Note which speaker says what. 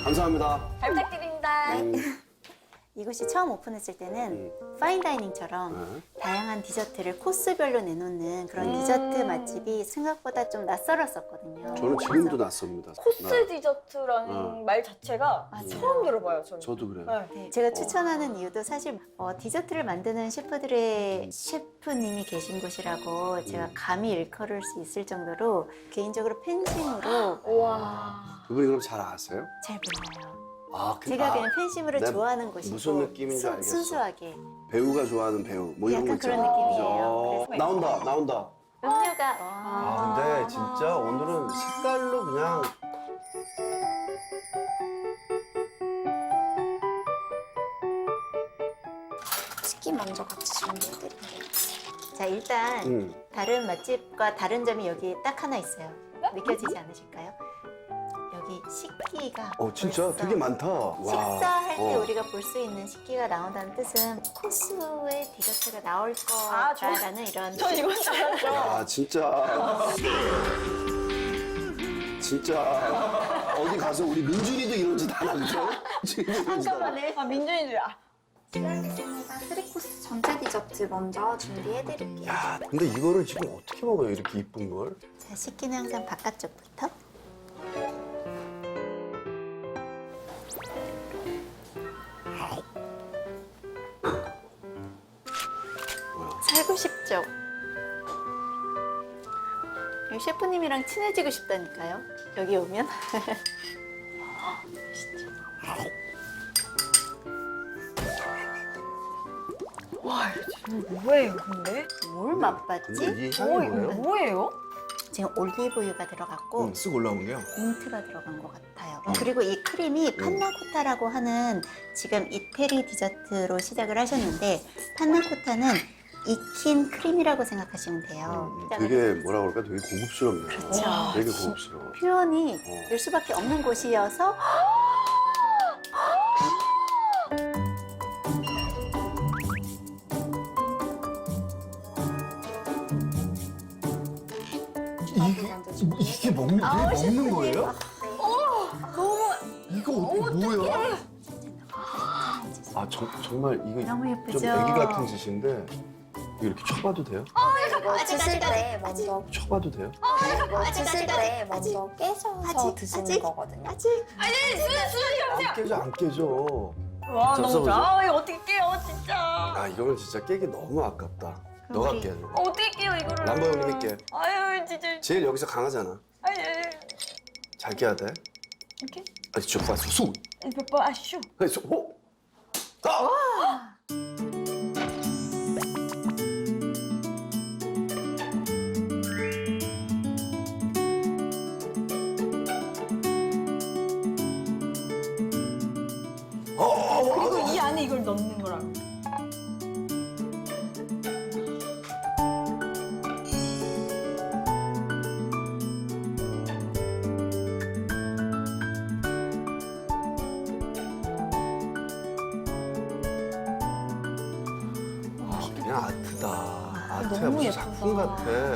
Speaker 1: 감사합니다.
Speaker 2: 잘 부탁드립니다.
Speaker 3: 이곳이 처음 오픈했을 때는 파인다이닝처럼 다양한 디저트를 코스별로 내놓는 그런 디저트 맛집이 생각보다 좀 낯설었었거든요.
Speaker 1: 저는 지금도 낯섭니다.
Speaker 2: 코스 디저트라는 말 자체가 처음 들어봐요, 저는.
Speaker 1: 저도 그래요.
Speaker 2: 네.
Speaker 3: 네, 제가 추천하는 이유도 사실 디저트를 만드는 셰프들의 셰프님이 계신 곳이라고 제가 감히 일컬을 수 있을 정도로 개인적으로 팬심으로
Speaker 2: 와.
Speaker 1: 그분이 그럼 잘 아세요?
Speaker 3: 잘 몰라요.
Speaker 1: 아,
Speaker 3: 제가 그냥 팬심으로
Speaker 1: 내가
Speaker 3: 좋아하는 곳이고
Speaker 1: 무슨 느낌인지 알겠어.
Speaker 3: 순수하게
Speaker 1: 배우가 좋아하는 배우 뭐 이런 거
Speaker 3: 약간
Speaker 1: 있잖아.
Speaker 3: 그런 느낌이에요.
Speaker 1: 그죠? 나온다.
Speaker 3: 음료가
Speaker 1: 근데 진짜 오늘은 색깔로 그냥
Speaker 4: 치킨 먼저 같이 준비해드릴게요.
Speaker 3: 자 일단 다른 맛집과 다른 점이 여기 딱 하나 있어요. 느껴지지 않으실까요? 여기 식기가
Speaker 1: 진짜
Speaker 3: 벌써
Speaker 1: 되게 많다. 와.
Speaker 3: 식사할 때 우리가 볼 수 있는 식기가 나온다는 뜻은 코스의 디저트가 나올 거다라는 이런
Speaker 2: 저 이건 줄 알았죠.
Speaker 1: 야 진짜 어디 가서 우리 민준이도 이런 짓 안 하죠?
Speaker 2: 잠깐만요. 아, 민준이들.
Speaker 4: 알겠습니다. 3코스 전체 디저트 먼저 준비해드릴게요.
Speaker 1: 야 근데 이거를 지금 어떻게 먹어요? 이렇게 이쁜 걸?
Speaker 3: 자, 식기는 항상 바깥쪽부터 살고 싶죠? 여기 셰프님이랑 친해지고 싶다니까요. 여기 오면
Speaker 2: 와, 이거 뭐예요, 근데?
Speaker 3: 뭘 맛봤지?
Speaker 1: 근데 이 향이 뭐예요?
Speaker 2: 뭐예요?
Speaker 3: 지금 올리브유가 들어갔고
Speaker 1: 쓱 올라온 게요?
Speaker 3: 민트가 들어간 것 같아요. 그리고 이 크림이 판나코타라고 하는 지금 이태리 디저트로 시작을 하셨는데 판나코타는 익힌 크림이라고 생각하시면 돼요.
Speaker 1: 되게 뭐라 그럴까? 되게 고급스럽네요.
Speaker 3: 그렇죠.
Speaker 1: 되게 고급스러워.
Speaker 3: 표현이 될 수밖에 없는 곳이어서
Speaker 1: 이게 먹는 거예요? 이거 뭐야? 정말 이거
Speaker 3: 너무 예쁘죠?
Speaker 1: 좀 애기 같은 짓인데 이거 이렇게 쳐봐도 돼요?
Speaker 4: 이거 드실 때 먼저
Speaker 1: 쳐봐도 돼요?
Speaker 4: 이거 드실 때 먼저 깨셔서 드시는 거거든요.
Speaker 1: 안 깨져 안 깨져.
Speaker 2: 와, 너무
Speaker 1: 써보죠.
Speaker 2: 좋아. 이거 어떻게 깨요, 진짜.
Speaker 1: 아 이거는 진짜 깨기 너무 아깝다. 너가
Speaker 3: 우리-
Speaker 1: 깨.
Speaker 2: 어떻게 깨요, 이거를.
Speaker 1: 람보 형님이 깨.
Speaker 2: 아유, 진짜.
Speaker 1: 제일 여기서 강하잖아.
Speaker 2: 아유,
Speaker 1: 잘 깨야 돼.
Speaker 2: 이렇게?
Speaker 1: 아니 저 봤어 수.
Speaker 2: 몇 번 아시죠?
Speaker 1: 그래서 아!
Speaker 2: 그리고 이 안에 이걸 넣는 거라고.
Speaker 1: 그냥 아트다. 아트야
Speaker 2: 너무
Speaker 1: 무슨
Speaker 2: 예쁘다.
Speaker 1: 작품 같아.